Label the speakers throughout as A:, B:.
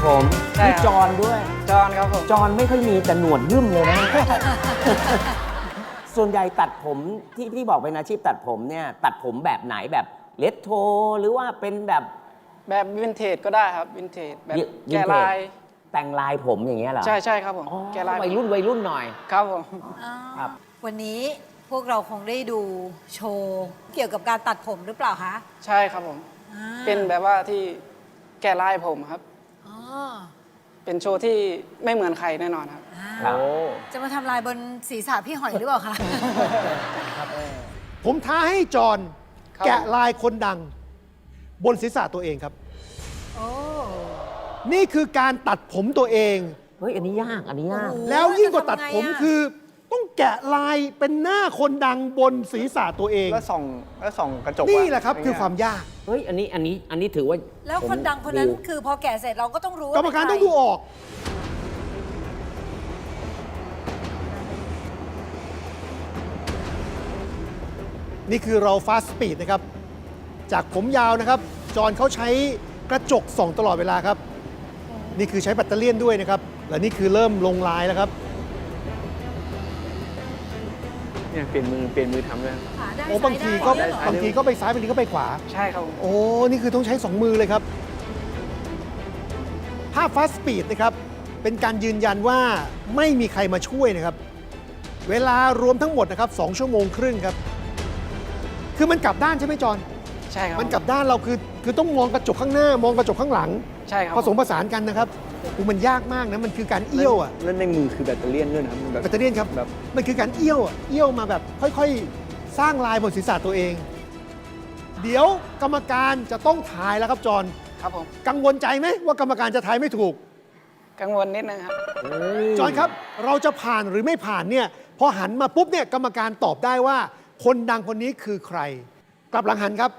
A: ผมมีจอนด้วย
B: จอนครับผม
A: จอนไม่ค่อยมีแต่หนวดหึ่มเลยนะ ส่วนใหญ่ตัดผมที่บอกเป็นอาชีพตัดผมเนี่ยตัดผมแบบไหนแบบเลตโทหรือว่าเป็นแบบ
B: แบบวินเทจก็ได้ครับวินเทจแบบ
A: วินเทจ
B: แกะลาย
A: แต่งลายผมอย่างเงี้ยเหรอ
B: ใช่ใช่ครับผม
A: อ๋อ
B: แกะลาย
A: วัยรุ่นหน่อย
B: ครับผม
A: ครับ
C: วันนี้พวกเราคงได้ดูโชว์เกี่ยวกับการตัดผมหรือเปล่าคะ
B: ใช่ครับผม
C: อ่า
B: เป็นแบบว่าที่แกะลายผมครับ
C: อ๋อ
B: เป็นโชว์ที่ไม่เหมือนใครแน่นอนครับ
C: อ่า
A: ครับ
C: จะมาทำลายบนศีรษะพี่หอยหรือเปล่าคะ
D: ผมท้าให้จอห์น
B: ครับ
D: แกะลายคนดัง บนศีรษะตัวเองครับ
C: โอ้
D: นี่คือการตัดผมตัวเอง
A: เฮ้ยอันนี้ยากอันนี้ยาก
C: โอ้โห
D: แล้วยิ่งกว่าตัดผม
C: จะทำไงอะ
D: คือ ต้องแกะลายเป็นหน้าคนดังบนศีรษะตัวเอง
E: แล้วส่องกระจก
D: นี่แหละครับ
E: ย่ง
D: คื
E: เงี้
D: อย ความยาก
A: เฮ้ยอันนี้ถือว่า
C: แล้วคนดังคนนั้นคือพอแก่เสร็จเราก็ต้องรู้ว่
D: กรรมการ
C: เป็นใค
D: ต้องดูออก นี่คือเราฟาสต์สปีดนะครับ จากผมยาวนะครับ จอห์นเขาใช้กระจกส่องตลอดเวลาครับ นี่คือใช้แบตเตอรี่ด้วยนะครับ และนี่คือเริ่มลงลายแล้วครับ
E: เนี่ยเปลี่ยนมือทำด้วย
C: ขาได้
D: โอ้บางทีก็
C: ซ้ยได้เหรอ
D: บางทีก็ไปซ้ายบางทีก็ไปขวา
B: ใช่ครับผม
D: โอ้ นี่คือต้องใช้ 2 มือเลยครับ ภาพฟาสต์สปีดนะครับ เป็นการยืนยันว่าไม่มีใครมาช่วยนะครับ เวลารวมทั้งหมดนะครับ2 ชั่วโมงครึ่งครับ คือมันกลับด้านใช่ไหมจอน
B: ใช่ครับ
D: มันกลับด้านเราคือต้องมองกระจกข้างหน้ามองกระจกข้างหลัง
B: ใช่ครับ
D: ผสมผสานกันนะครับคือมันยากมากนะ มันคือการเอี้ยวอ่ะ
E: แล้วในมือคือแบตเตอรี่ด้วยนะครับแบบ
D: แบตเตอรี่ครับ
E: แบบ
D: มันคือการเอี้ยวอะเอี้ยวมาแบบค่อยๆ สร้างลายบนศีรษะตัวเอง เดี๋ยวกรรมการจะต้องทายแล้วครับจอน
B: ครับผม
D: กังวลใจไหมว่ากรรมการจะทายไม่ถูก
B: กังวลนิดนึงครับ
D: จอนครับ เราจะผ่านหรือไม่ผ่านเนี่ยพอหันมาปุ๊บเนี่ยกรรมการตอบได้ว่า คนดังคนนี้คือใคร กลับหลังหันครับ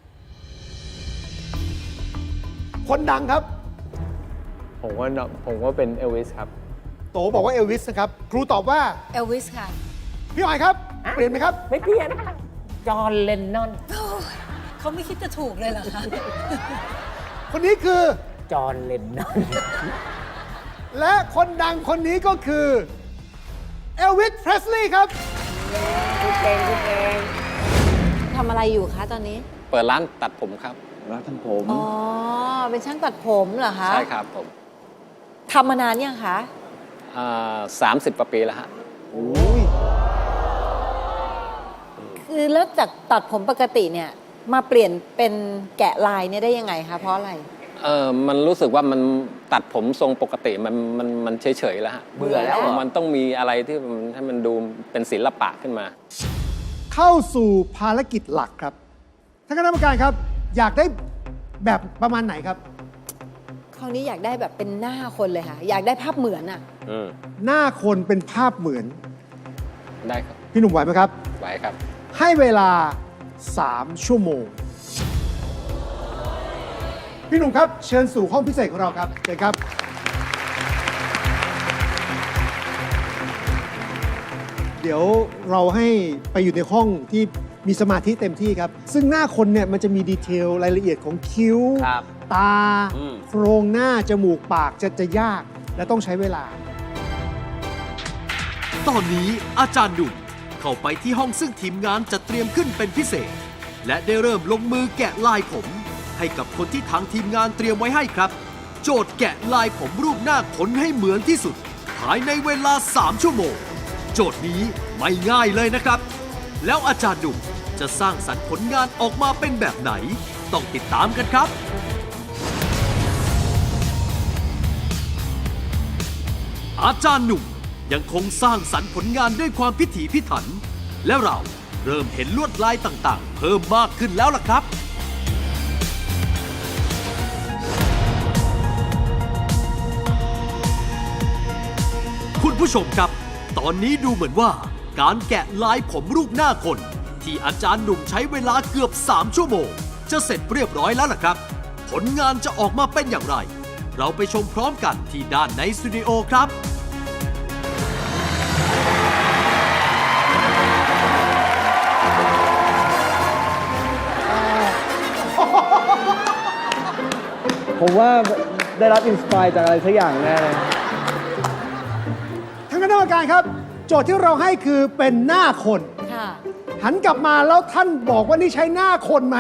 D: คนดังครับ
E: ผมว่าเป็นเอลวิสครับ
D: โตบอกว่าเอลวิสนะครับ ครูตอบว่า
C: เอลวิสค่ะ
D: พี่หอยครับ เปลี่ยนไหมครับ
A: ไม่เปลี่ยนจอห์นเลนนอน
C: เขาไม่คิดจะถูกเลยเหรอคะ
D: คนนี้คือ
A: จอห์นเลนนอน
D: และคนดังคนนี้ก็คือเอลวิส เพรสลีย์ครับ
C: ทำอะไรอยู่คะตอนนี้
F: เปิดร้านตัดผมครับ
E: ร้านทำผม
C: อ๋อ เป็นช่างตัดผมเหรอคะ
F: ใช่ครับผม
C: ทำมานานยังคะ
F: 30 กว่าปีแล้วฮะ
C: คือแล้วจากตัดผมปกติเนี่ย มาเปลี่ยนเป็นแกะลายเนี่ยได้ยังไงคะ เพราะอะไร
F: มันรู้สึกว่ามันตัดผมทรงปกติมันเฉยๆแล้วฮะ
A: เบื่อแล้วเหรอ
F: มันต้องมีอะไรที่มันให้มันดูเป็นศิลปะขึ้นมา
D: เข้าสู่ภารกิจหลักครับท่านคณะกรรมการครับ อยากได้แบบประมาณไหนครับ
C: คราวนี้อยากได้แบบเป็นหน้าคนเลยค่ะ อยากได้ภาพเหมือนอะ
F: อืม
D: หน้าคนเป็นภาพเหมือน
F: ได้ครับ
D: พี่หนุ่มไหวไหมครับ
F: ไหวครับ
D: ให้เวลา 3 ชั่วโมง พี่หนุ่มครับ เชิญสู่ห้องพิเศษของเราครับเชิญครับ เดี๋ยวเราให้ไปอยู่ในห้องที่มีสมาธิเต็มที่ครับ ซึ่งหน้าคนเนี่ยมันจะมีดีเทลรายละเอียดของคิ้ว
A: ครับ
D: ตา
A: อืม
D: โครงหน้า จมูก ปากจะยาก และต้องใช้เวลา
G: ตอนนี้อาจารย์ดุ่มเข้าไปที่ห้องซึ่งทีมงานจะเตรียมขึ้นเป็นพิเศษ และได้เริ่มลงมือแกะลายผม ให้กับคนที่ทางทีมงานเตรียมไว้ให้ครับ โจทย์แกะลายผมรูปหน้าขนให้เหมือนที่สุด ภายในเวลา 3 ชั่วโมง โจทย์นี้ไม่ง่ายเลยนะครับ แล้วอาจารย์ดุ่มจะสร้างสรรค์ผลงานออกมาเป็นแบบไหน ต้องติดตามกันครับ อาจารย์หนุ่มยังคงสร้างสรรค์ผลงานด้วยความพิถีพิถัน และเราเริ่มเห็นลวดลายต่างๆ เพิ่มมากขึ้นแล้วล่ะครับ คุณผู้ชมครับ ตอนนี้ดูเหมือนว่าการแกะลายผมรูปหน้าคน ที่อาจารย์หนุ่มใช้เวลาเกือบ 3 ชั่วโมง จะเสร็จเรียบร้อยแล้วล่ะครับ ผลงานจะออกมาเป็นอย่างไร เราไปชมพร้อมกันที่ด้านในสตูดิโอครับ
E: ผมว่าได้รับอินสปายจากอะไรสักอย่างแน่เลย
D: ทางคณะกรรมการครับ โจทย์ที่เราให้คือเป็นหน้าคน
C: ค่ะ
D: หันกลับมาแล้วท่านบอกว่านี่ใช้หน้าคนไหม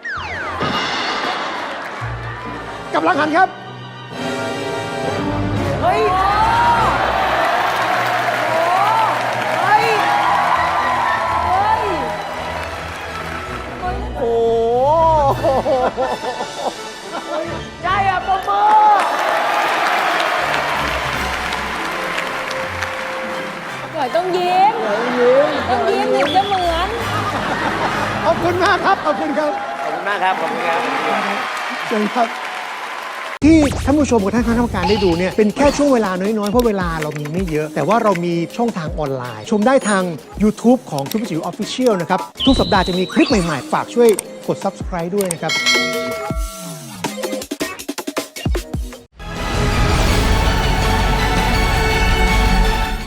D: กำลังหันครับ
A: เฮ้ย โอ้โหใช่อะปมมือ
C: หน่อยต้องยิ้ม ต้องยิ้มถึงจะเหมือน
D: ขอบคุณมากครับ ขอบคุณครับ
A: ขอบคุณมากครับ ขอบคุณครับ
D: เชิญครับ ที่ท่านผู้ชมกับท่านคณะกรรมการได้ดูเนี่ยเป็นแค่ช่วงเวลาน้อยๆ เพราะเวลาเรามีไม่เยอะ แต่ว่าเรามีช่องทางออนไลน์ ชมได้ทาง YouTube ของซุปเปอร์จิ๋วออฟฟิเชียลนะครับ ทุกสัปดาห์จะมีคลิปใหม่ๆ ฝากช่วยกด Subscribe ด้วยนะครับ